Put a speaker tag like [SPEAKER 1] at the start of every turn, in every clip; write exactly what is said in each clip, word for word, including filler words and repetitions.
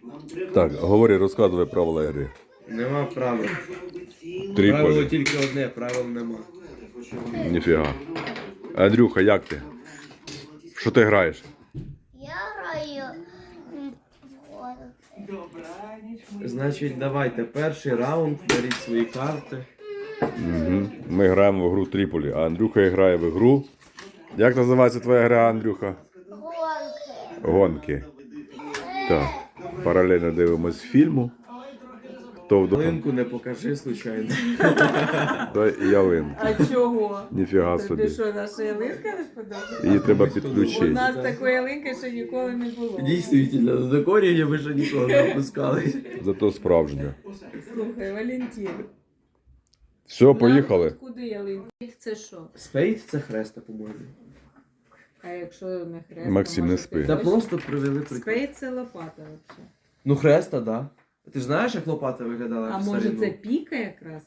[SPEAKER 1] Так, говори, розказуй правила гри.
[SPEAKER 2] Нема правил.
[SPEAKER 1] Три
[SPEAKER 2] Правило
[SPEAKER 1] полі.
[SPEAKER 2] тільки одне, правил нема.
[SPEAKER 1] Ніфіга. Андрюха, як ти? Що ти граєш?
[SPEAKER 3] Я граю м, в гонки.
[SPEAKER 2] Значить, давайте перший раунд, беріть свої карти.
[SPEAKER 1] Угу. Ми граємо в гру Тріполі, а Андрюха грає в гру. Як називається твоя гра, Андрюха?
[SPEAKER 3] Гонки.
[SPEAKER 1] Гонки. Так, паралельно дивимось фільму. Хто вдома?
[SPEAKER 2] Ялинку не покажи, случайно.
[SPEAKER 1] Та ялинку.
[SPEAKER 4] А чого?
[SPEAKER 1] Ніфіга
[SPEAKER 4] Тобі
[SPEAKER 1] собі.
[SPEAKER 4] що, наша ялинка не подобається?
[SPEAKER 1] Її треба
[SPEAKER 4] У
[SPEAKER 1] підключити.
[SPEAKER 4] нас такої ялинки ще ніколи не було.
[SPEAKER 2] Дійсно, до декорів ви ще ніколи не опускали.
[SPEAKER 1] Зато справжня.
[SPEAKER 4] Слухай, Валентин.
[SPEAKER 1] Все, поїхали.
[SPEAKER 4] Нам тут куди ялинка? Це що?
[SPEAKER 2] Спейд це хреста, по-моєму.
[SPEAKER 4] А якщо не хрест,
[SPEAKER 1] Максим,
[SPEAKER 4] то,
[SPEAKER 1] не
[SPEAKER 4] може,
[SPEAKER 1] спи.
[SPEAKER 4] ти
[SPEAKER 2] Та
[SPEAKER 4] точно?
[SPEAKER 2] просто привели приклад.
[SPEAKER 4] Спейд це лопата взагалі.
[SPEAKER 2] Ну хреста, да. Ти ж знаєш, як лопата виглядала?
[SPEAKER 4] А
[SPEAKER 2] в
[SPEAKER 4] може
[SPEAKER 2] старину?
[SPEAKER 4] це піка якраз?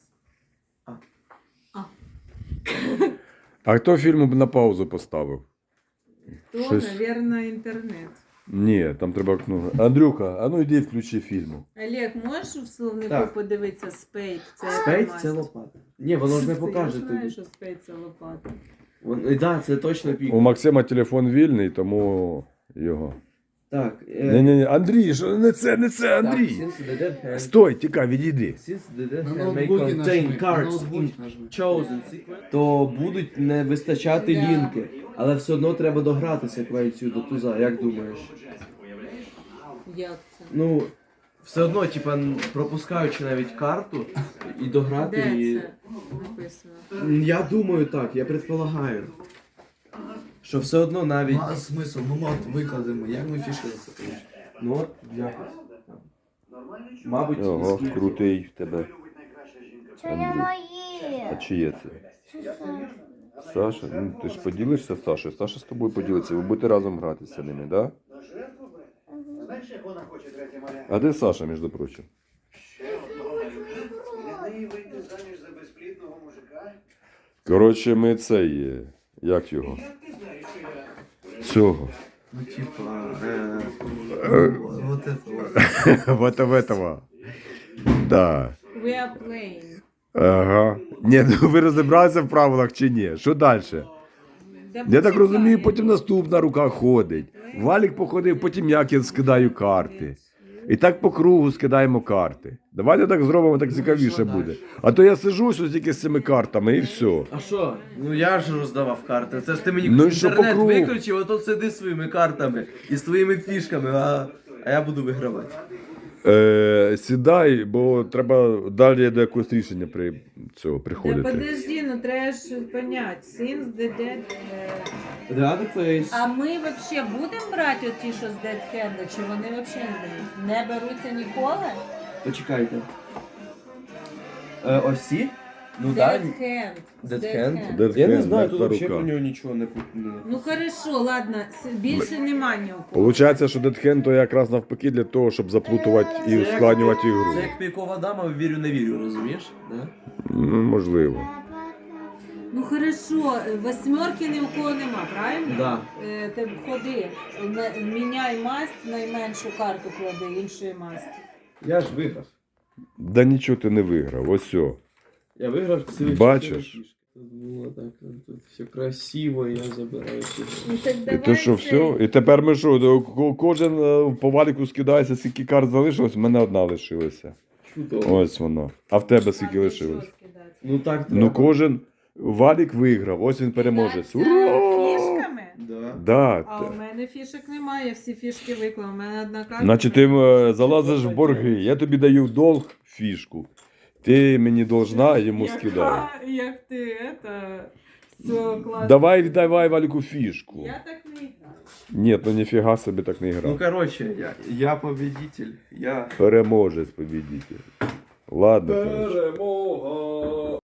[SPEAKER 1] А хто фільм на паузу поставив?
[SPEAKER 4] То,
[SPEAKER 1] Щось-
[SPEAKER 4] мабуть, інтернет.
[SPEAKER 1] Ні, там треба кнопку. Андрюха, а ну йди включи фільм.
[SPEAKER 4] Олег, можеш в словнику
[SPEAKER 2] Так.
[SPEAKER 4] подивитися спейд? Це
[SPEAKER 2] Спейд
[SPEAKER 4] масть?
[SPEAKER 2] це лопата. Ні, воно ж не
[SPEAKER 4] Ти
[SPEAKER 2] покаже
[SPEAKER 4] знаєш,
[SPEAKER 2] тобі.
[SPEAKER 4] що спейд це лопата.
[SPEAKER 2] Вон- і да, це точно пік.
[SPEAKER 1] У Максима телефон вільний, тому його.
[SPEAKER 2] Так. е,
[SPEAKER 1] Ні-ні-ні, Андрій, що не це, не це,
[SPEAKER 2] так,
[SPEAKER 1] Андрій.
[SPEAKER 2] since the dead hand-
[SPEAKER 1] Стой, тікай, відійди.
[SPEAKER 2] Since the dead
[SPEAKER 5] На
[SPEAKER 2] hand may
[SPEAKER 5] ноутбуці
[SPEAKER 2] contain
[SPEAKER 5] нажми, на
[SPEAKER 2] cards
[SPEAKER 5] ноутбуці
[SPEAKER 2] in
[SPEAKER 5] нажми.
[SPEAKER 2] chosen sequence, то будуть не вистачати лінки. Але все одно треба дограти секвенцію до туза, як думаєш?
[SPEAKER 4] Як це?
[SPEAKER 2] Ну, все одно, типа, пропускаючи навіть карту і дограти
[SPEAKER 4] Де
[SPEAKER 2] її.
[SPEAKER 4] це написано?
[SPEAKER 2] М, Я думаю так, я предполагаю. Що все одно навіть.
[SPEAKER 5] Ну, а смисл? Ну, ми от викладемо, як ми фішки засипаємо?
[SPEAKER 2] Ну, от, якось. Мабуть,
[SPEAKER 1] Ого,
[SPEAKER 2] скільки?
[SPEAKER 1] крутий в тебе.
[SPEAKER 3] Це не
[SPEAKER 1] А
[SPEAKER 3] мої.
[SPEAKER 1] чиє це?
[SPEAKER 3] Це Саша.
[SPEAKER 1] Саша? Ну, ти ж поділишся з Сашою. Саша з тобою поділиться. Ви будете разом грати з ними, да? А де Саша, між прочим? Коротше, ми цей, е, як його? Цього.
[SPEAKER 2] Ну, типа, е,
[SPEAKER 5] Вот это вот.
[SPEAKER 1] Вот в этого. Да.
[SPEAKER 4] We are playing.
[SPEAKER 1] Ага. Ні, ну ви розібралися в правилах чи ні? Що далі?
[SPEAKER 4] Да
[SPEAKER 1] Я так
[SPEAKER 4] почекай.
[SPEAKER 1] розумію, потім наступна рука ходить. Валік походив, потім як я скидаю карти. І так по кругу скидаємо карти. Давайте так зробимо, так цікавіше буде. А то я сижу щось тільки з цими картами і все.
[SPEAKER 2] а що? Ну я ж роздавав карти. Це ж ти мені
[SPEAKER 1] Ну і що по
[SPEAKER 2] інтернет
[SPEAKER 1] кругу?
[SPEAKER 2] виключив, а тут сиди своїми картами і з твоїми фішками, а, а я буду вигравати.
[SPEAKER 1] Е, сідай, бо треба далі до якогось рішення при цього
[SPEAKER 4] Да
[SPEAKER 1] приходити.
[SPEAKER 4] подожди, ну треба ж понять. Since the dead... е,
[SPEAKER 2] The other place.
[SPEAKER 4] А ми вообще будемо брати оті, що з Dead Hand, чи вони вообще не беруть? Не беруться ніколи?
[SPEAKER 2] Почекайте. Е, ось ці? Ну так.
[SPEAKER 4] Dead Hand. з
[SPEAKER 2] Dead
[SPEAKER 4] Dead
[SPEAKER 2] Hand?
[SPEAKER 4] Hand.
[SPEAKER 1] Dead
[SPEAKER 2] Я не
[SPEAKER 1] Hand,
[SPEAKER 2] знаю, тут
[SPEAKER 1] мертва
[SPEAKER 2] взагалі
[SPEAKER 1] рука.
[SPEAKER 2] про нього нічого не пу- не
[SPEAKER 4] Ну хорошо, ладно, с- більше нема ні у кого.
[SPEAKER 1] Получається, що Дедхен то якраз навпаки для того, щоб заплутувати і
[SPEAKER 2] Це як-
[SPEAKER 1] ускладнювати ігру.
[SPEAKER 2] Це як пікова дама, вірю, не вірю, розумієш? Да?
[SPEAKER 1] Ну, можливо.
[SPEAKER 4] Ну хорошо, восьмерки ні у кого нема, правильно?
[SPEAKER 2] Да.
[SPEAKER 4] Е, Ти ходи, на- міняй масть, найменшу карту клади іншої масті.
[SPEAKER 2] Я ж виграв.
[SPEAKER 1] Да нічого ти не виграв, ось о.
[SPEAKER 2] Я виграв цілих
[SPEAKER 1] Бачиш?
[SPEAKER 2] чотири фішки. Тут було так, тут все красиво, я забираю ці.
[SPEAKER 4] Ну так
[SPEAKER 1] І
[SPEAKER 4] давай
[SPEAKER 1] то що,
[SPEAKER 4] це-
[SPEAKER 1] все? І тепер ми що, до- ко- кожен е, по валіку скидається, скільки карт залишилось, в мене одна лишилася.
[SPEAKER 2] Чудово.
[SPEAKER 1] Ось воно. А в тебе скільки
[SPEAKER 4] Там
[SPEAKER 1] лишилось?
[SPEAKER 4] нічого скидати.
[SPEAKER 2] Ну так треба.
[SPEAKER 1] Ну кожен валік виграв, ось він переможець.
[SPEAKER 4] Кидатися
[SPEAKER 1] Ура!
[SPEAKER 4] фішками?
[SPEAKER 2] Да.
[SPEAKER 1] Да.
[SPEAKER 4] А
[SPEAKER 1] т-
[SPEAKER 4] у мене фішок немає, я всі фішки виклав. У мене одна карта.
[SPEAKER 1] Значить, ти е, залазиш в борги, я тобі даю в долг фішку. Ти мені должна, йому
[SPEAKER 4] Яка-
[SPEAKER 1] скидай.
[SPEAKER 4] Як ти это... Все класно.
[SPEAKER 1] Давай віддавай валіку фішку.
[SPEAKER 4] Я так не граю.
[SPEAKER 1] Ні, ну ніфіга собі так не
[SPEAKER 2] Ну
[SPEAKER 1] грав.
[SPEAKER 2] короче, я, я победитель. Я
[SPEAKER 1] Переможець побідитель. Ладно, коротше.
[SPEAKER 2] перемога.